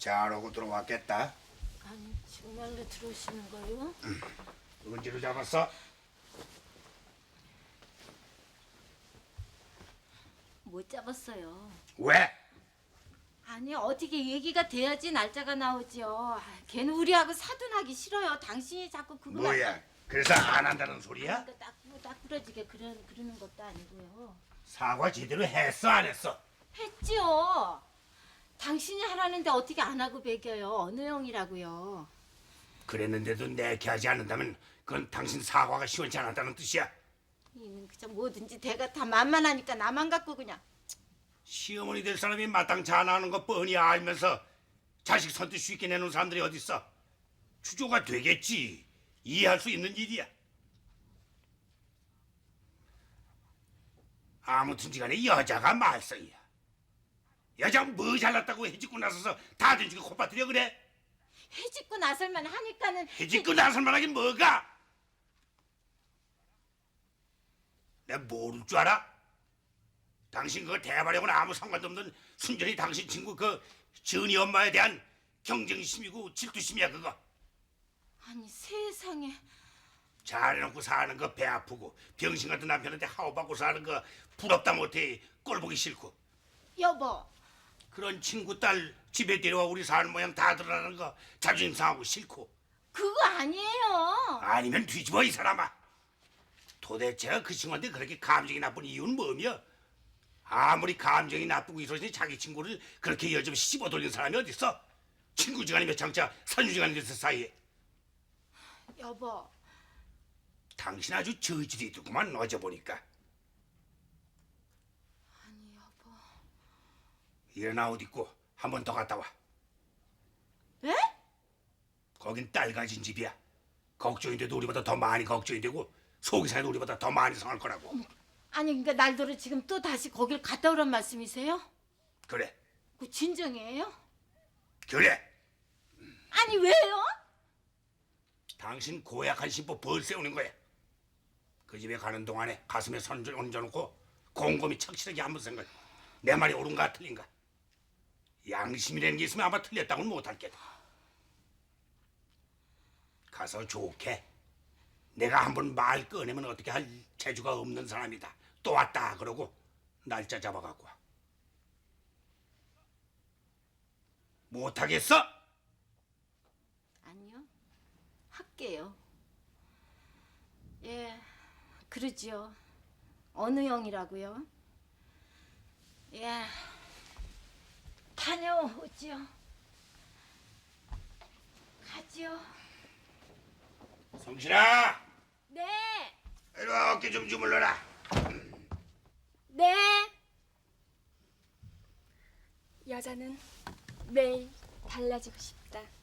잘하고 들어왔겠다. 아니 정말로 들어오시는 거요? 누군지를 잡았어? 못 잡았어요. 왜? 아니 어떻게 얘기가 돼야지 날짜가 나오지요. 걔는 우리하고 사돈하기 싫어요. 당신이 자꾸 그거 뭐야? 그래서 안 한다는 소리야? 그러니까 딱 부러지게 그러는 것도 아니고요. 사과 제대로 했어 안 했어? 했지요. 당신이 하라는데 어떻게 안 하고 배겨요. 어느 형이라고요. 그랬는데도 내게 하지 않는다면 그건 당신 사과가 시원치 않았다는 뜻이야. 이는 그저 뭐든지 대가 다 만만하니까 나만 갖고 그냥. 시어머니 될 사람이 마땅치 않아 하는 거 뻔히 알면서 자식 선뜻 쉽게 내놓은 사람들이 어딨어? 추조가 되겠지. 이해할 수 있는 일이야. 아무튼지 간에 여자가 말썽이야. 여자가 뭐 잘났다고 해집고 나서서 다 된죽이 콧바트려 그래? 해집고 나설만 하니까는 해집고 나설만 하긴 뭐가? 내가 모를 줄 알아? 당신 그거 대발하고는 아무 상관도 없는 순전히 당신 친구 그 전이 엄마에 대한 경쟁심이고 질투심이야 그거. 아니 세상에. 잘해놓고 사는 거 배 아프고 병신 같은 남편한테 하오받고 사는 거 부럽다 못해 꼴보기 싫고 여보. 그런 친구 딸 집에 데려와 우리 사는 모양 다 드러나는 거 자존심 상하고 싫고 그거 아니에요. 아니면 뒤집어 이 사람아. 도대체 그 친구한테 그렇게 감정이 나쁜 이유는 뭐며? 아무리 감정이 나쁘고 이러니 자기 친구를 그렇게 여점없이 씹어 돌리는 사람이 어딨어? 친구지간이며 장차 선유지간이 됐을 사이에. 여보. 당신 아주 저질이 있더구만 어제 보니까. 아니 여보. 일어나 옷 입고 한 번 더 갔다 와. 네? 거긴 딸 가진 집이야. 걱정인데도 우리보다 더 많이 걱정이 되고 속이 상해도 우리보다 더 많이 상할 거라고. 아니 그러니까 날도를 지금 또 다시 거길 갔다 오란 말씀이세요? 그래. 그 진정이에요? 그래. 아니 왜요? 당신 고약한 심보 벌 세우는 거야. 그 집에 가는 동안에 가슴에 손을 얹어놓고 곰곰이 착실하게 한번 생각. 내 말이 옳은가 틀린가. 양심이라는 게 있으면 아마 틀렸다고는 못할 게다. 가서 좋게. 내가 한번 말 꺼내면 어떻게 할 재주가 없는 사람이다. 또 왔다 그러고 날짜 잡아갖고 와. 못하겠어? 아니요. 할게요. 예. 그러지요. 어느 형이라고요? 예. 다녀오지요. 가지요. 성실아! 네. 이리 와 어깨 좀 주물러라. 네. 여자는 매일 달라지고 싶다.